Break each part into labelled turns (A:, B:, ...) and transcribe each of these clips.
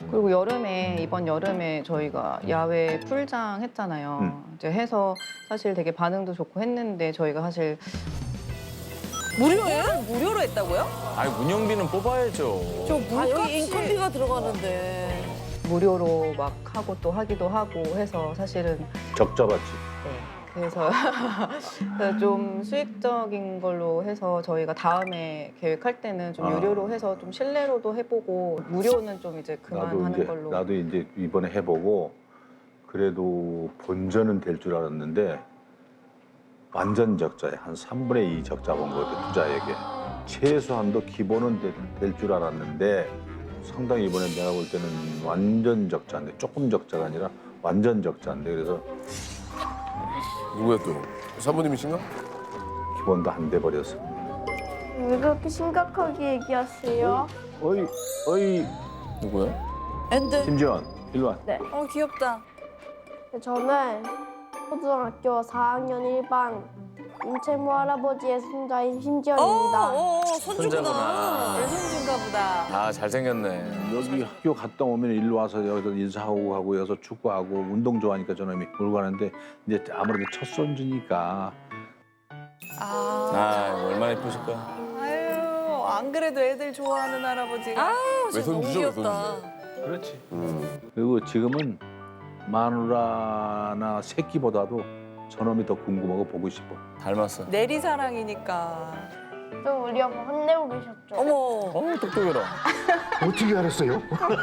A: 그리고 이번 여름에 저희가 야외 풀장 했잖아요. 이제 해서 사실 되게 반응도 좋고 했는데 저희가 사실
B: 무료예요? 무료로 했다고요?
C: 아니 운영비는 뽑아야죠.
B: 저
D: 아,
B: 물값이
D: 여기 인건비가 들어가는데.
A: 무료로 막 하고 또 하기도 하고 해서 사실은
E: 적자받지.
A: 네. 그래서 좀 수익적인 걸로 해서 저희가 다음에 계획할 때는 좀 유료로 해서 좀 실내로도 해보고 무료는 좀 이제 그만하는 걸로.
E: 나도 이제 이번에 해보고 그래도 본전은 될 줄 알았는데 완전 적자에 한 3분의 2 적자 본 거 같아, 투자액에. 최소한도 기본은 될 줄 알았는데 상당히 이번에 내가 볼 때는 완전 적자인데, 조금 적자가 아니라 완전 적자인데, 그래서
F: 누구야 또? 사모님이신가?
E: 기본도 안 돼 버렸어.
G: 왜 그렇게 심각하게 얘기하세요?
E: 어이
C: 누구야?
D: 엔드.
E: 김지원, 일로 와.
D: 귀엽다.
G: 저는 초등학교 4학년 1반 임채무 할아버지의 손자인 심지연입니다.
D: 손주구나.
C: 손자구나.
D: 내 손주인가 보다.
C: 아 잘생겼네.
E: 여기 학교 갔다 오면 일로 와서 여기서 인사하고 하고 여기서 축구하고 운동 좋아하니까 저놈이 놀고 가는데 이제 아무래도 첫 손주니까
C: 아 얼마나 예쁘실까.
D: 아유, 안 그래도 애들 좋아하는 할아버지가. 아유, 진짜 너무
F: 외손주죠,
D: 귀엽다.
E: 그렇지. 그리고 지금은 마누라나 새끼보다도 저놈이 더 궁금하고 보고 싶어.
C: 닮았어.
D: 내리사랑이니까.
G: 좀 우리 엄마 혼내고 계셨죠?
D: 어머.
C: 똑똑해라.
E: 어떻게 알았어요?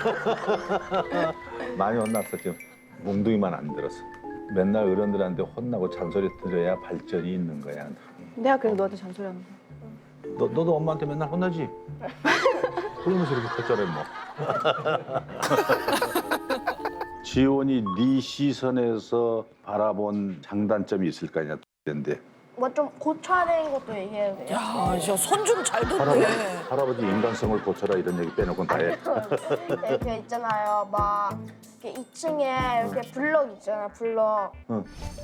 E: 많이 혼났어 지금. 몽둥이만 안 들었어. 맨날 어른들한테 혼나고 잔소리 들어야 발전이 있는 거야.
A: 내가 그래서 너한테 잔소리하는 거야.
E: 너도 엄마한테 맨날 혼나지? 그러면서 이렇게 컸잖아 뭐. 지원이 네 시선에서 바라본 장단점이 있을 거 아니야. 근데
G: 뭐 좀 고쳐야 되는 것도 얘기해야 돼요.
D: 야, 진짜 손주는 잘 듣네.
E: 할아버지 인간성을 고쳐라 이런 얘기 빼놓고는 다 해.
G: 이렇게 있잖아요. 막 이렇게 2층에 이렇게 블럭 있잖아요. 블럭.
E: 응.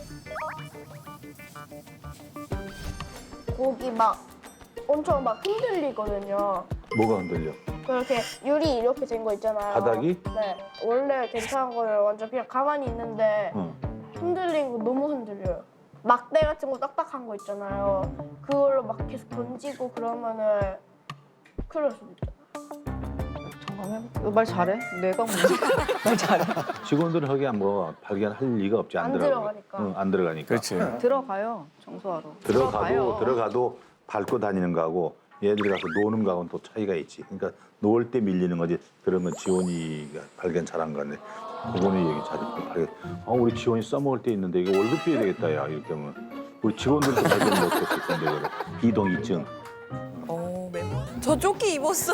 G: 거기 막 엄청 막 흔들리거든요.
E: 뭐가 흔들려?
G: 그렇게 유리 이렇게 된 거 있잖아요.
E: 바닥이?
G: 네. 원래 괜찮은 거는 완전 그냥 가만히 있는데
E: 응.
G: 흔들리는 거 너무 흔들려요. 막대 같은 거 딱딱한 거 있잖아요. 그걸로 막 계속 던지고 그러면은 그럴 수도 있잖아요.
A: 잠깐 해볼게. 말 잘해? 내가 뭔지 말 잘해.
E: 직원들은 거기 뭐 발견할 리가 없지.
G: 안
E: 들어가고.
G: 들어가니까.
E: 응, 안 들어가니까.
C: 그렇지.
A: 들어가요 청소하러.
E: 들어가도 밟고 다니는 거하고 얘들이 가서 노는 거하고는 또 차이가 있지. 그러니까 놓을 때 밀리는 거지. 그러면 지원이가 발견 잘한 거네. 그거는 얘기 잘했고. 우리 지원이 써먹을 때 있는데 이거 월급 줘야 되겠다 야 이렇게 하면. 우리 직원들도 발견 못했을 텐데 그래. 비동의증.
D: 메모. 저 조끼 입었어.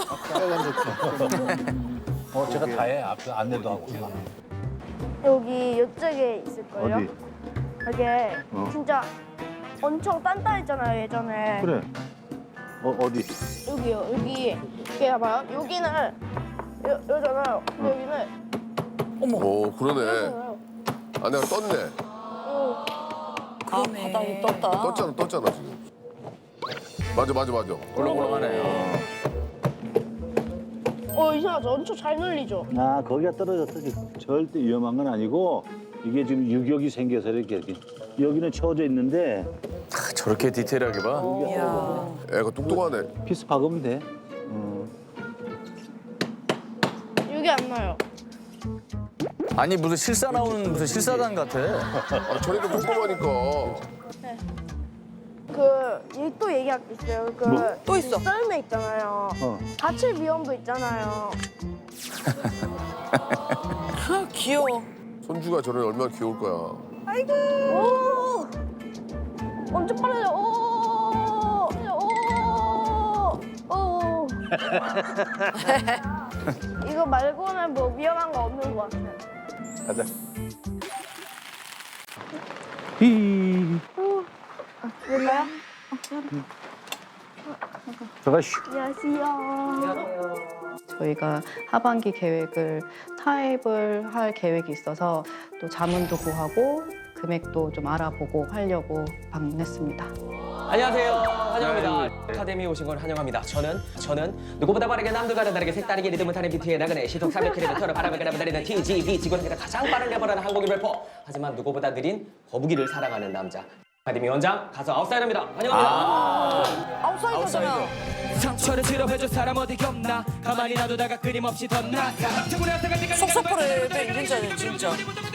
E: 제가 다 해. 앞에 안내도 하고.
G: 여기 이쪽에 있을걸요?
E: 어디?
G: 이게
E: 어.
G: 진짜 엄청 단단했잖아요 예전에.
E: 그래. 어디?
G: 여기요. 여기 봐봐요. 여기는 여잖아요. 여기는
F: 오 그러네.
G: 여잖아요.
F: 아내가 떴네.
D: 그러네.
B: 바닥이 떴다.
F: 떴잖아 지금. 맞아.
C: 꿀렁꿀렁하네.
G: 이상하죠. 엄청 잘 눌리죠.
E: 아 거기가 떨어졌지. 절대 위험한 건 아니고 이게 지금 유격이 생겨서 이렇게 여기는 채워져 있는데
C: 아, 저렇게 디테일하게 봐.
D: 이야.
F: 애가 똑똑하네.
E: 피스 박으면 돼.
G: 여기 안 나요.
C: 아니 무슨 실사 나오는 무슨 실사단 같아.
F: 아, 저래도 꼼꼼하니까.
G: 또 얘기할 게 있어요.
D: 또 있어.
G: 썰매 있잖아요. 다칠 위험도 있잖아요.
D: 귀여워.
F: 손주가 저래 얼마나 귀여울 거야.
G: 오! 엄청 빠르죠. 오! 오! 오! 이거 말고는 뭐 위험한 거 없는 것 같아요.
E: 가자. 히.
G: 몰라요?
E: 들어가 쉬.
G: 안녕하세요.
A: 저희가 하반기 계획을 타입을 할 계획이 있어서 또 자문도 구하고 금액도 좀 알아보고 하려고 방문했습니다.
C: 안녕하세요.
H: 환영합니다. 아카데미에 오신 걸 환영합니다. 저는 누구보다 빠르게 남들과는 다르게 색다르게 리듬을 타는 비트에 나그네 시속 300km를 바람을 그려다니는 TGV 지구상에서 가장 빠른 래퍼라는 한국인 래퍼. 하지만 누구보다 느린 거북이를 사랑하는 남자. 아카데미 원장 가수 아웃사이더입니다. 환영합니다.
D: 아웃사이더잖아.
I: 상처를 치료해줄 사람 어디 없나 가만히 놔두다가 끊임없이 덧나
D: 속사포를 인증자네 진짜.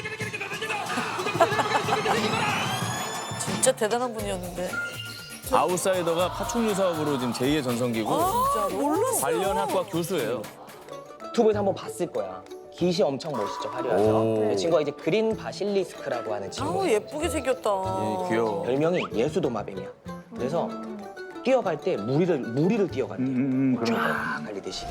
D: 진짜 대단한 분이었는데.
C: 아웃사이더가 파충류 사업으로 지금 제2의 전성기고
D: 진짜 몰랐어.
C: 관련 학과 교수예요.
H: 유튜브에서 한번 봤을 거야. 깃이 엄청 멋있죠, 화려해서. 이 친구가 이제 그린 바실리스크라고 하는 친구.
D: 아우 예쁘게 생겼다.
C: 귀여워.
H: 별명이 예수도마뱀이야. 그래서 뛰어갈 때 무리를 뛰어간대. 쫙 갈리듯이.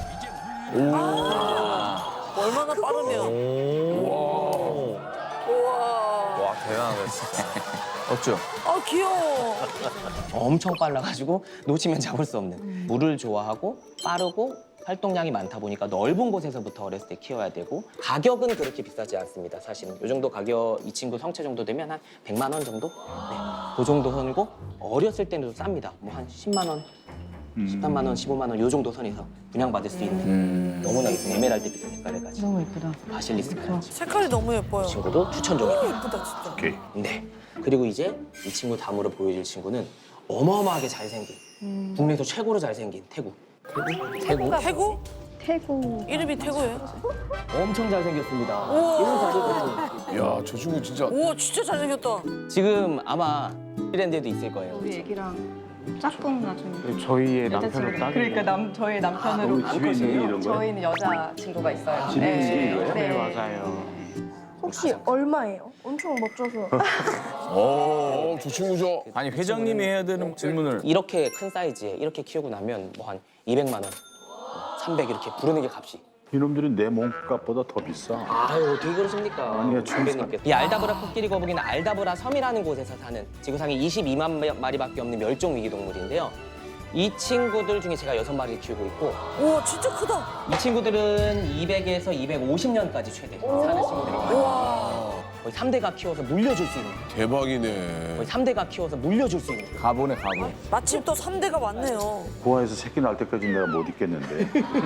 D: 얼마나 빠르면. 우와.
C: 와 대단하다 진짜. 어쩌?
D: 아 귀여워.
H: 엄청 빨라가지고 놓치면 잡을 수 없는. 물을 좋아하고 빠르고 활동량이 많다 보니까 넓은 곳에서부터 어렸을 때 키워야 되고 가격은 그렇게 비싸지 않습니다. 사실은 이 정도 가격 이 친구 성체 정도 되면 한 100만 원 정도? 네, 그 정도 선이고 어렸을 때는 좀 쌉니다. 뭐 한 10만 원, 13만 원, 15만 원 요 정도 선에서 분양받을 수 있는 너무나 예쁜 에메랄드 빛의 색깔을 가진
A: 너무 예쁘다.
H: 바실리스크라는
D: 색깔이 너무 예뻐요.
H: 친구도 추천종입니다.
D: 예쁘다 진짜.
E: 오케이.
H: 네. 그리고 이제 이 친구 다음으로 보여줄 친구는 어마어마하게 잘생긴 국내에서 최고로 잘생긴 태국.
D: 태구?
G: 태국.
D: 이름이 태구예요?
H: 엄청 잘생겼습니다.
F: 야, 저 친구 진짜.
D: 우와 진짜 잘생겼다.
H: 지금 아마 뉴질랜드에도 있을 거예요.
A: 우리 애기랑 짝꿍 나중에.
J: 저희의
A: 남편으로 딱. 그러니까 저희 남편으로.
E: 집에 있는 게 이런 거야?
A: 저희는 여자 친구가 있어요.
E: 집에 있는 게 이거예요?
J: 네, 맞아요.
G: 혹시 얼마예요? 엄청 멋져서.
F: 저 친구 저.
C: 아니 회장님이 해야 되는 질문을.
H: 이렇게 큰 사이즈에 이렇게 키우고 나면 뭐 한 200만 원, 300 이렇게 부르는 게 값이.
E: 이놈들이 내 몸값보다 더 비싸.
H: 아유 어떻게 그러십니까?
E: 아니요, 참.
H: 선배님께서. 이 알다브라 코끼리 거북이는 알다브라 섬이라는 곳에서 사는 지구상에 22만 마리밖에 없는 멸종 위기 동물인데요. 이 친구들 중에 제가 6마리를 키우고 있고
D: 우와 진짜 크다.
H: 이 친구들은 200에서 250년까지 최대 사는 친구들이거든요.
D: 우와.
H: 거의 3대가 키워서 물려줄 수 있는.
F: 대박이네.
H: 거의 3대가 키워서 물려줄 수 있는.
C: 가보네 가보.
D: 마침 또 3대가 많네요.
E: 고아에서 새끼 낳을 때까지 내가 못 있겠는데.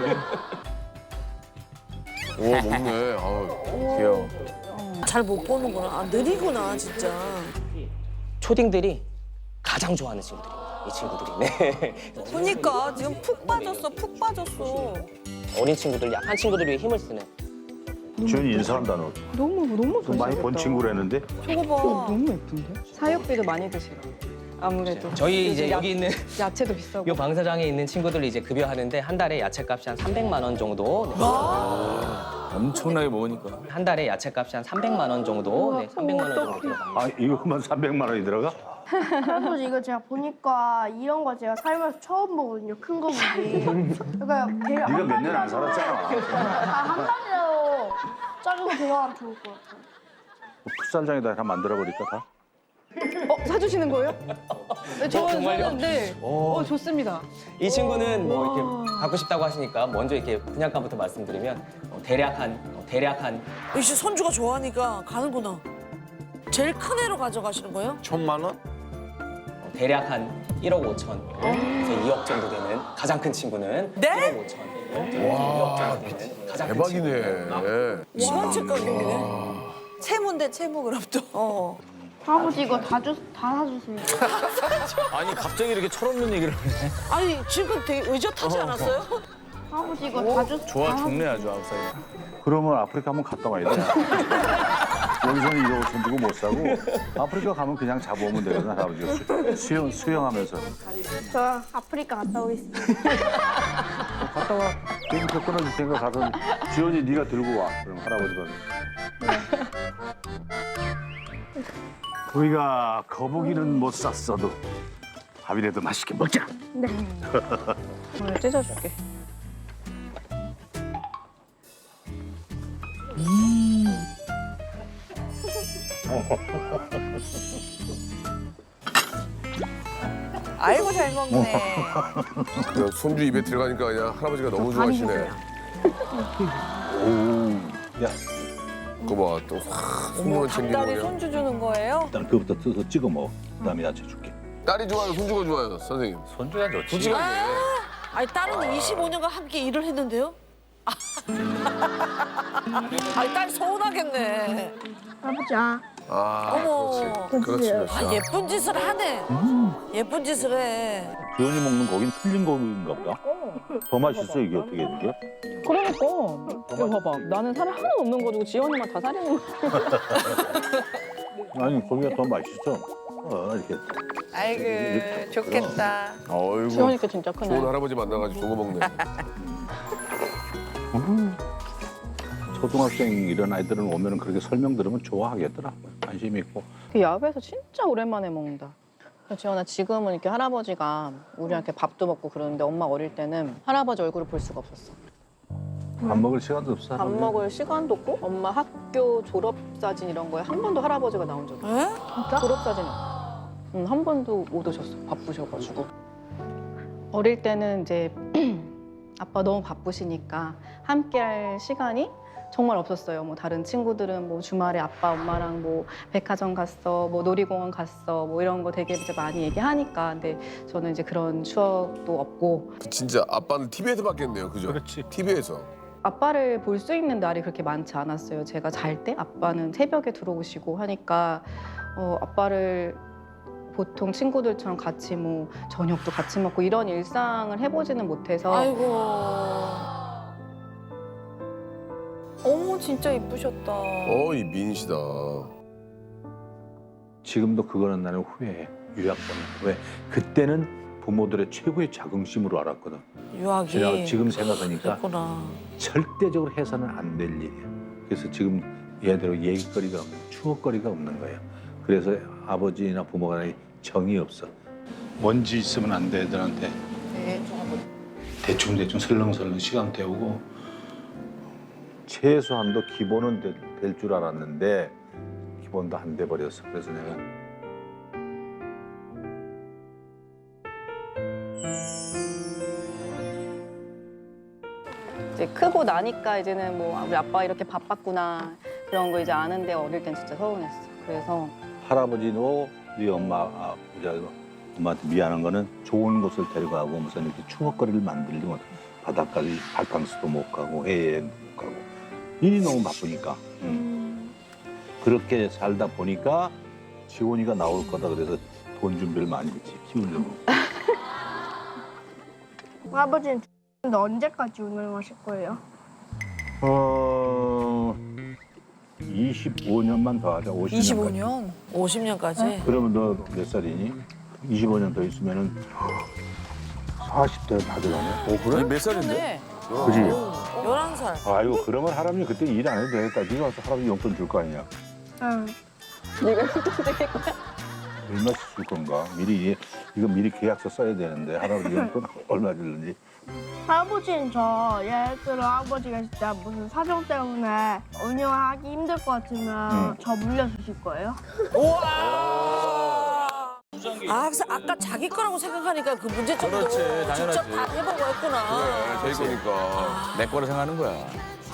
F: 우와, 먹네. 아우.
C: 귀여워.
D: 잘 못 보는구나. 아 느리구나 진짜.
H: 초딩들이 가장 좋아하는 친구들입니다. 이 친구들이. 네.
D: 그러니까 지금 푹 빠졌어. 푹 빠졌어.
H: 어린 친구들, 약한 친구들 위해 힘을 쓰는.
E: 주연이 인사한다 너.
A: 너무
E: 좀 많이 본 친구라는데.
D: 저거 봐.
A: 너무 예쁜데? 사육비도 많이 드시고. 아무래도.
H: 저희 이제
A: 요즘
H: 여기 있는
A: 야채도 비싸고.
H: 이 방사장에 있는 친구들 이제 급여하는데 한 달에 야채값이 한 300만 원 정도. 네.
C: 엄청나게 먹으니까.
H: 한 달에 야채값이 한 300만 원 정도. 네, 300만 원 정도 들어갑니다.
E: 아 이거만 300만 원이 들어가?
G: 할아버지 이거 제가 보니까 이런 거 제가 살면서 처음 보거든요. 큰 거북이. 그러니까
E: 네가 몇 년 안 살았잖아.
G: 한 달이라도 작은 거 데려가면 좋을 것 같아요.
E: 풋살장에다 하나 만들어버릴까 다?
A: 사주시는 거예요? 네,
H: 정말요?
A: 저는 네. 좋습니다.
H: 이 친구는 뭐 이렇게 갖고 싶다고 하시니까 먼저 이렇게 분양가부터 말씀드리면 대략 한
D: 역시 손주가 좋아하니까 가는구나. 제일 큰 애로 가져가시는 거예요?
F: 1,000만 원?
H: 대략 한 1억 5천 에서 2억 정도 되는 가장 큰 친구는
D: 네?
H: 1억 5천.
F: 와,
H: 2억 정도 되는 가장 큰 친구.
F: 대박이네.
D: 지원책 가격이네. 채무인데 채무 그럼 또.
G: 할아버지 이거 다 사주세요.
C: 아니 갑자기 이렇게 철없는 얘기를 하네.
D: 아니 지금 되게 의젓하지 않았어요?
G: 할아버지 이거 다
C: 좋아 죽네 아주 아웃사이더.
E: 그러면 아프리카 한번 갔다 와야 돼. 여기서는 1억 5천 주고 못 사고 아프리카 가면 그냥 잡아오면 되거든 할아버지가 수영하면서.
G: 저 아프리카 갔다 오겠습니다.
E: 갔다 와. 비행기표 끊어줄 테니까 가서 지원이 네가 들고 와. 그럼 할아버지가. 우리가 거북이는 못 샀어도 밥이라도 맛있게 먹자.
A: 오늘 찢어줄게.
D: 아이고 잘 먹네.
F: 그냥 손주 입에 들어가니까 그냥 할아버지가 너무 좋아하시네.
E: 오, 야,
F: 그거 봐, 또 손주만 챙기고
D: 닭다리
F: 그냥.
D: 손주 주는 거예요?
E: 일단 그거부터 뜯어서 찍어 먹어. 그다음에 야채 줄게.
F: 딸이 좋아요, 손주가 좋아요, 선생님.
E: 손주가 좋지.
F: 솔직하게.
B: 아니 딸은 25년간 함께 일을 했는데요? 아니 딸 서운하겠네.
G: 아버지야.
F: 아,
B: 어머.
F: 그렇지. 그렇지,
B: 아
F: 그렇지.
B: 예쁜 짓을 하네. 예쁜 짓을 해.
E: 지원이 먹는 고기는 틀린 고기인가 보다. 더 맛있어 이게 어떻게 된 게?
A: 그러니까 이거 봐봐. 나는 살이 하나도 없는 거 가지고 지원이만 다 살이 있는 거.
E: 아니 고기가 더 맛있어. 이렇게.
D: 아이고 좋겠다.
C: 어이구.
A: 지원이가 진짜 크네.
F: 좋은 할아버지 만나가지고 좋은 거 먹네.
E: 초등학생 이런 아이들은 오면은 그렇게 설명 들으면 좋아하겠더라. 관심 있고.
A: 그 야외에서 진짜 오랜만에 먹는다. 지원아 지금은 이렇게 할아버지가 우리한테 밥도 먹고 그러는데 엄마 어릴 때는 할아버지 얼굴을 볼 수가 없었어.
E: 밥 먹을 시간도 없어.
A: 밥 먹을 시간도 없고 엄마 학교 졸업 사진 이런 거에 한 번도 할아버지가 나온 적이 없어.
B: 에?
A: 졸업 사진은 한 번도 못 오셨어. 바쁘셔가지고. 어릴 때는 이제 아빠 너무 바쁘시니까 함께할 시간이 정말 없었어요. 뭐 다른 친구들은 뭐 주말에 아빠 엄마랑 뭐 백화점 갔어, 뭐 놀이공원 갔어, 뭐 이런 거 되게 이제 많이 얘기하니까. 근데 저는 이제 그런 추억도 없고
F: 진짜 아빠는 TV에서 봤겠네요, 그죠?
E: 그렇지.
F: TV에서.
A: 아빠를 볼 수 있는 날이 그렇게 많지 않았어요. 제가 잘 때 아빠는 새벽에 들어오시고 하니까 아빠를 보통 친구들처럼 같이 뭐 저녁도 같이 먹고 이런 일상을 해보지는 못해서
B: 아이고.
D: 어머 진짜 이쁘셨다.
F: 이 미인이시다.
E: 지금도 그거는 나는 후회해. 유학보는 왜? 그때는 부모들의 최고의 자긍심으로 알았거든.
B: 유학이.
E: 제가 지금 생각하니까
B: 그랬구나.
E: 절대적으로 해서는 안 될 일이야. 그래서 지금 얘대로 얘기거리가 추억거리가 없는 거예요. 그래서 아버지나 부모가 정이 없어. 먼지 있으면 안 돼 애들한테. 대충 설렁설렁 시간 때우고 최소한도 기본은 될 줄 알았는데 기본도 안 돼 버렸어. 그래서 내가
A: 이제 크고 나니까 이제는 뭐 우리 아빠 이렇게 바빴구나 그런 거 이제 아는데 어릴 땐 진짜 서운했어. 그래서
E: 할아버지도 네 우리 엄마한테 미안한 거는 좋은 곳을 데려가고 무슨 이렇게 추억거리를 만들려고 바닷가를 바캉스도 못 가고 해외여행도 못 가고 일이 너무 바쁘니까 그렇게 살다 보니까 지원이가 나올 거다 그래서 돈 준비를 많이 했지 키우려고.
G: 아버지는 근데 언제까지 운영하실 거예요?
E: 25년만 더 하자. 50년까지.
B: 50년까지?
E: 그러면 너 몇 살이니? 25년 더 있으면은 40대 다 되겠네.
C: 그래? 몇 살인데?
B: 네.
E: 그지?
B: 11살.
E: 아이고 그러면 할아버지 그때 일 안 해도 되겠다. 네가 와서 할아버지 용돈 줄 거 아니야.
G: 응.
A: 네가 용돈 드릴 거야?
E: 얼마씩 줄 건가? 이거 미리 계약서 써야 되는데 할아버지 용돈 얼마 줄는지.
G: 할아버지는 예를 들어 아버지가 진짜 무슨 사정 때문에 운영하기 힘들 것 같으면 저 물려주실 거예요?
B: 아, 그래서 아까 자기 거라고 생각하니까 그 문제점도
C: 그렇지,
B: 직접
C: 당연하지.
B: 다 해보고 했구나.
F: 그래, 제 거니까.
C: 내 거로 생각하는 거야.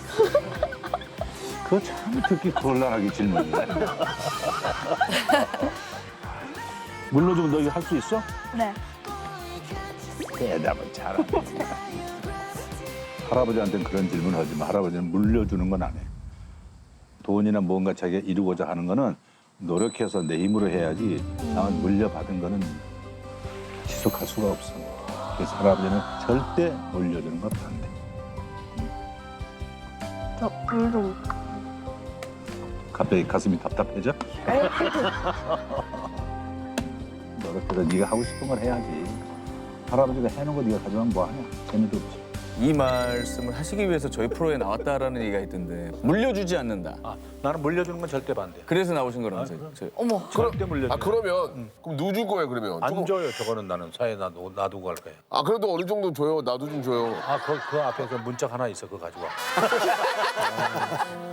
E: 그거 참 듣기 곤란하게 질문이네. 물려주면 너 이거 할 수 있어?
G: 네.
E: 대답은 잘하네. 할아버지한테는 그런 질문 하지 마. 할아버지는 물려주는 건 안 해. 돈이나 뭔가 자기가 이루고자 하는 거는 노력해서 내 힘으로 해야지 나만 물려받은 거는 지속할 수가 없어. 그래서 할아버지는 절대 물려주는 건 안 돼.
G: 저 좀.
E: 갑자기 가슴이 답답해져? 노력해서 네가 하고 싶은 걸 해야지. 할아버지가 해놓은 거 네가 가져가면 뭐하냐? 재미도 없지.
C: 이 말씀을 하시기 위해서 저희 프로에 나왔다라는 얘기가 있던데 물려주지 않는다.
E: 나는 물려주는 건 절대 반대.
C: 그래서 나오신 거라면서요.
B: 어머.
E: 절대 물려주는
F: 그러면 그럼 누구 줄 거예요, 그러면?
E: 안 줘요. 저거는 나는 사이에 놔두고 갈 거야.
F: 그래도 어느 정도 줘요. 나도 좀 줘요.
E: 그 앞에 문짝 하나 있어. 그거 가지고 와.